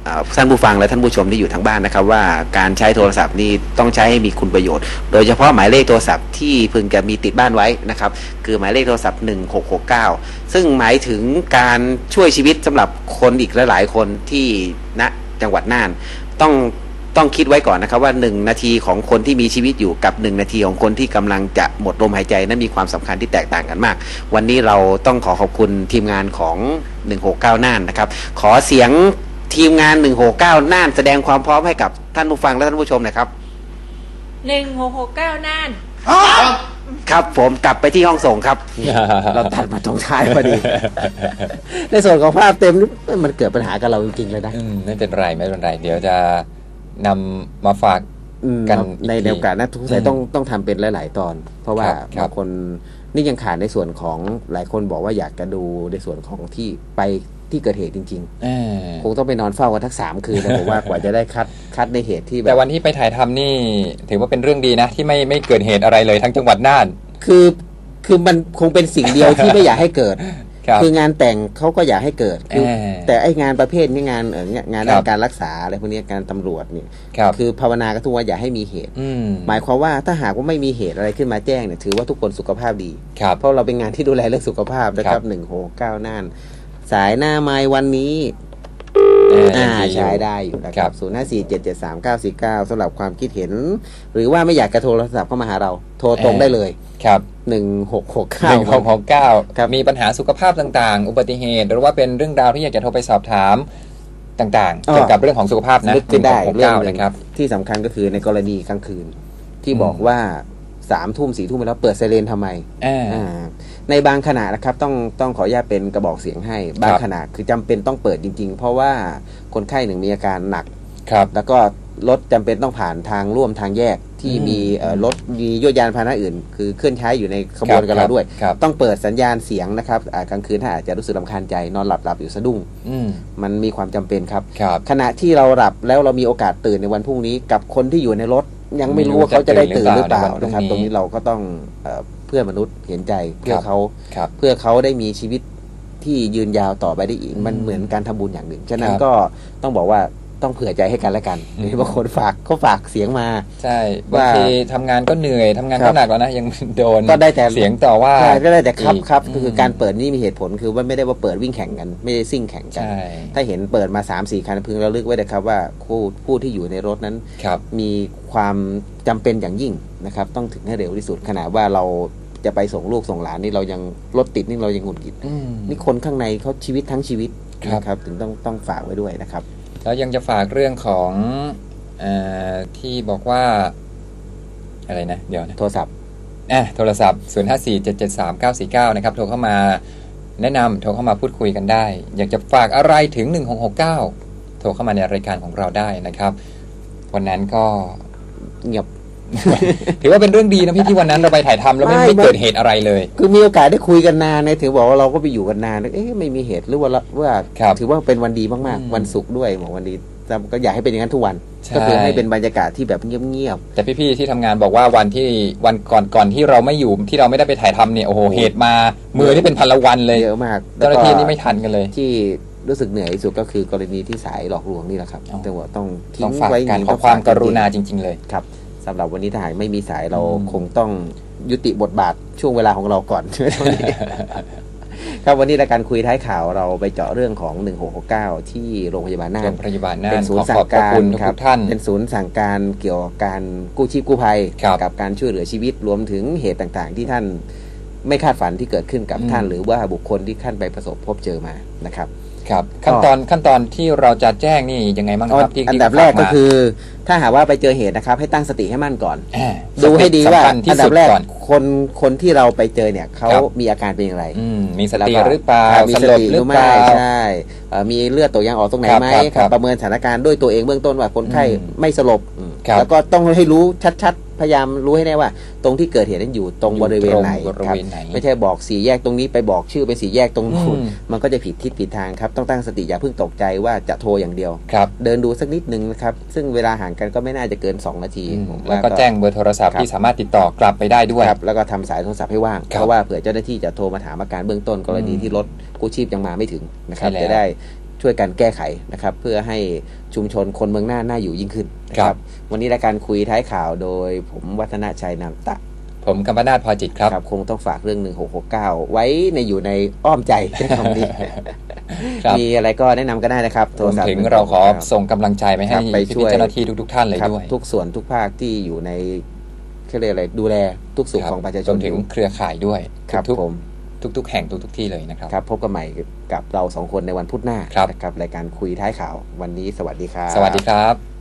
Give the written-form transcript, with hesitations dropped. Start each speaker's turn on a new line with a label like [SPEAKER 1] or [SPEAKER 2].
[SPEAKER 1] ท่านผู้ฟังและท่านผู้ชมที่อยู่ทางบ้านนะครับว่าการใช้โทรศัพท์นี่ต้องใช้ให้มีคุณประโยชน์โดยเฉพาะหมายเลขโทรศัพท์ที่พึงจะมีติดบ้านไว้นะครับคือหมายเลขโทรศัพท์1669ซึ่งหมายถึงการช่วยชีวิตสำหรับคนอีกหลายๆคนที่ณจังหวัดน่านต้องคิดไว้ก่อนนะครับว่า1นาทีของคนที่มีชีวิตอยู่กับ1นาทีของคนที่กำลังจะหมดลมหายใจนั้นมีความสำคัญที่แตกต่างกันมากวันนี้เราต้องขอบคุณทีมงานของ169น่านนะครับขอเสียงทีมงาน169น่านแสดงความพร้อมให้กับท่านผู้ฟังและท่านผู้ชมนะครับ
[SPEAKER 2] 1669น่าน
[SPEAKER 1] ครับผมกลับไปที่ห้องส่งครับ เราตัดมาตรงท้ายพอดี ในส่วนของภาพเต็มมันเกิดปัญหากับเราจริงๆเลยนะ
[SPEAKER 3] ไม่เป็นไรไม่เป็นไรเดี๋ยวจะนำมาฝากกัน
[SPEAKER 1] ในโอกาสนะทุกท่านต้องทำเป็นหลายๆตอนเพราะว่าบางคนนี่ยังขาดในส่วนของหลายคนบอกว่าอยากจะดูในส่วนของที่ไปที่เกิดเหตุจริงๆคงต้องไปนอนเฝ้ากันทั้ง3 คืนนะผมว่ากว่าจะได้คัดในเหตุที่แบบ
[SPEAKER 3] แต่วันที่ไปถ่ายทำนี่ถือว่าเป็นเรื่องดีนะที่ไม่เกิดเหตุอะไรเลยทั้งจังหวัดน่าน
[SPEAKER 1] คือมันคงเป็นสิ่งเดียวที่ไม่อยากให้เกิดคืองานแต่งเขาก็อยากให้เกิดแต่ไอ้งานประเภทนี้งานด้านการรักษาอะไรพวกนี้การตำรวจเนี่ยคือภาวนาก็ทุกว่าอย่าให้มีเหตุหมายความว่าถ้าหากว่าไม่มีเหตุอะไรขึ้นมาแจ้งเนี่ยถือว่าทุกคนสุขภาพดีเพราะเราเป็นงานที่ดูแลเรื่องสุขภาพนะครับ169น่านสายหน้าไม้วันนี้ใช้ได้อยู่นะครับ0547739949สำหรับความคิดเห็นหรือว่าไม่อยากจะโทรศัพท์เข้ามาหาเราโทรตรงได้เลย
[SPEAKER 3] ครับ
[SPEAKER 1] 1669
[SPEAKER 3] มีปัญหาสุขภาพต่างๆอุบัติเหตุหรือว่าเป็นเรื่องราวที่อยากจะโทรไปสอบถามต่างๆเกี่ยวกับเรื่องของสุขภาพนะ
[SPEAKER 1] 1669นะครับที่สำคัญก็คือในกรณีกลางคืนที่บอกว่า3 ทุ่ม4 ทุ่มไปแล้วเปิดไซเรนทำไมในบางขณะนะครับต้องขออนุญาตเป็นกระบอกเสียงให้บางขณะคือจำเป็นต้องเปิดจริงๆเพราะว่าคนไข้หนึ่งมีอาการหนักแล้วก็รถจำเป็นต้องผ่านทางร่วมทางแยกที่มีรถมียวดยานพาหนะอื่นคือเคลื่อนใช้อยู่ในขบวนกับเราด้วยต้องเปิดสัญญาณเสียงนะครับกลางคืนถ้าอาจจะรู้สึกรำคาญใจนอนหลับอยู่สะดุ้งมันมีความจำเป็นครับขณะที่เราหลับแล้วเรามีโอกาสตื่นในวันพรุ่งนี้กับคนที่อยู่ในรถยังไม่รู้ว่าเขาจะได้ตื่นหรือเปล่านะครับตรงนี้เราก็ต้องเพื่อมนุษย์เห็นใจเพื่อเขาได้มีชีวิตที่ยืนยาวต่อไปได้อีกมันเหมือนการทำบุญอย่างหนึ่งฉะนั้นก็ต้องบอกว่าต้องเผื่อใจให้กันและกันบางคนเขาฝากเสียงมา
[SPEAKER 3] ใช่บางทีทำงานก็เหนื่อยทำงานก็หนักแล้วนะยังโดน
[SPEAKER 1] ก็ได้แต่
[SPEAKER 3] เสียงต่อว่า
[SPEAKER 1] ก็ได้แต่ครับคือการเปิดนี่มีเหตุผลคือว่าไม่ได้ว่าเปิดวิ่งแข่งกันไม่ได้ซิ่งแข่งกันถ้าเห็นเปิดมา 3-4 คันพึงระลึกไว้นะครับว่าผู้ที่อยู่ในรถนั้นมีความจำเป็นอย่างยิ่งนะครับต้องถึงให้เร็วที่สุดขณะว่าเราจะไปส่งลูกส่งหลานนี่เรายังรถติดนี่เรายังหงุดหงิดนี่คนข้างในเขาชีวิตทั้งชีวิตนะครับถึงต้องฝากไว้ด้วยนะครับ
[SPEAKER 3] แล้วยังจะฝากเรื่องของที่บอกว่าอะไรนะเดี๋ยวนะ
[SPEAKER 1] โทรศัพท์
[SPEAKER 3] 0547739949นะครับโทรเข้ามาแนะนำโทรเข้ามาพูดคุยกันได้อยากจะฝากอะไรถึง1669โทรเข้ามาในรายการของเราได้นะครับวันนั้นก็
[SPEAKER 1] เงียบ
[SPEAKER 3] ถือว่าเป็นเรื่องดีนะพี่ที่วันนั้นเราไปถ่ายทำแล้วไม่เกิดเหตุอะไรเลย
[SPEAKER 1] คือมีโอกาสได้คุยกันนานถือบอกว่าเราก็ไปอยู่กันนานไม่มีเหตุหรือว่าถือว่าเป็นวันดีมากๆวันศุกร์ด้วยบอกวันดีก็อยากให้เป็นอย่างนั้นทุกวันก็คือให้เป็นบรรยากาศที่แบบเงียบ
[SPEAKER 3] ๆแต่พี่ๆที่ทำงานบอกว่าวันก่อนที่เราไม่อยู่ที่เราไม่ได้ไปถ่ายทำเนี่ยโอ้โหเหตุมามือที่เป็นพันละวันเลย
[SPEAKER 1] เยอะมาก
[SPEAKER 3] เจ้าหน้าที่นี่ไม่ทันกันเลย
[SPEAKER 1] ที่รู้สึกเหนื่อยที่สุดก็คือกรณีที่สายหลอกลวงนี่แหละครับแต่ว่าต้องทิ้ง
[SPEAKER 3] ไว้การขอความกรุณาจริงๆเลย
[SPEAKER 1] ครับสำหรับวันนี้ถ้าหากไม่มีสายเราคงต้องยุติบทบาทช่วงเวลาของเราก่อนครับวันนี้รายการคุยท้ายข่าวเราไปเจาะเรื่องของ1669ที่โรงพยาบาลน่านเป็นศูนย์สั่งการครับเป็นศูนย์สั่งการเกี่ยวกับการกู้ชีพกู้ภัยกับการช่วยเหลือชีวิตรวมถึงเหตุต่างๆที่ท่านไม่คาดฝันที่เกิดขึ้นกับท่านหรือว่าบุคคลที่ท่านไปประสบพบเจอมานะครับ
[SPEAKER 3] ครับขั้นตอนที่เราจะแจ้งนี่ยังไงบ้างครับ
[SPEAKER 1] อันดับแรกก็คือถ้าหากว่าไปเจอเหตุนะครับให้ตั้งสติให้มั่นก่อนดูให้ดีว่าอันดับแรกคนที่เราไปเจอเนี่ยเขามีอาการเป็นอย่างไร
[SPEAKER 3] มีสติหรือเปล่า
[SPEAKER 1] มีสติหรือไม่ใช่มีเลือดตกยางออกตรงไหนไหมประเมินสถานการณ์ด้วยตัวเองเบื้องต้นว่าคนไข้ไม่สลบแล้วก็ต้องให้รู้ชัดพยายามรู้ให้แน่ว่าตรงที่เกิดเหตุนั้นอยู่ตรงบริเวณไหนครับไม่ใช่บอก4 แยกตรงนี้ไปบอกชื่อเป็น4 แยกตรงนู้นมันก็จะผิดทิศผิดทางครับต้องตั้งสติอย่าเพิ่งตกใจว่าจะโทรอย่างเดียวเดินดูสักนิดนึงนะครับซึ่งเวลาห่างกันก็ไม่น่าจะเกิน2 นาที
[SPEAKER 3] แล้วก็แจ้งเบอร์โทรศัพท์ที่สามารถติดต่อกลับไปได้ด้วย
[SPEAKER 1] แล้วก็ทำสายโทรศัพท์ให้ว่างเพราะว่าเผื่อเจ้าหน้าที่จะโทรมาถามอาการเบื้องต้นกรณีที่รถกู้ชีพยังมาไม่ถึงนะครับจะได้ชช่วยกันแก้ไขนะครับเพื่อให้ชุมชนคนเมืองน่าอยู่ยิ่งขึ้นนะครับวันนี้รายการคุยท้ายข่าวโดยผมวัฒนชัยนามตะ
[SPEAKER 3] ผมกัมปนาทพอจิตครับ
[SPEAKER 1] คงต้องฝากเรื่อง1669ไว้อยู่ในอ้อมใจคำนี้มีอะไรก็แนะนำก็ได้นะครับ
[SPEAKER 3] โทรศัพท์ถึงเราขอส่งกำลังใจให้พี่เจ้าหน้าที่ทุกท่านเลยด้วย
[SPEAKER 1] ทุกส่วนทุกภาคที่อยู่ในเรียกอะไรดูแลทุกสุขของประชาชน
[SPEAKER 3] ถึงเครือข่ายด้วย
[SPEAKER 1] ครับผม
[SPEAKER 3] ทุกแห่งทุกที่เลยนะครับ
[SPEAKER 1] พบกันใหม่กับเรา2คนในวันพุธหน้านะครับรายการคุยท้ายข่าววันนี้สวัสดีครับ
[SPEAKER 3] สวัสดีครับ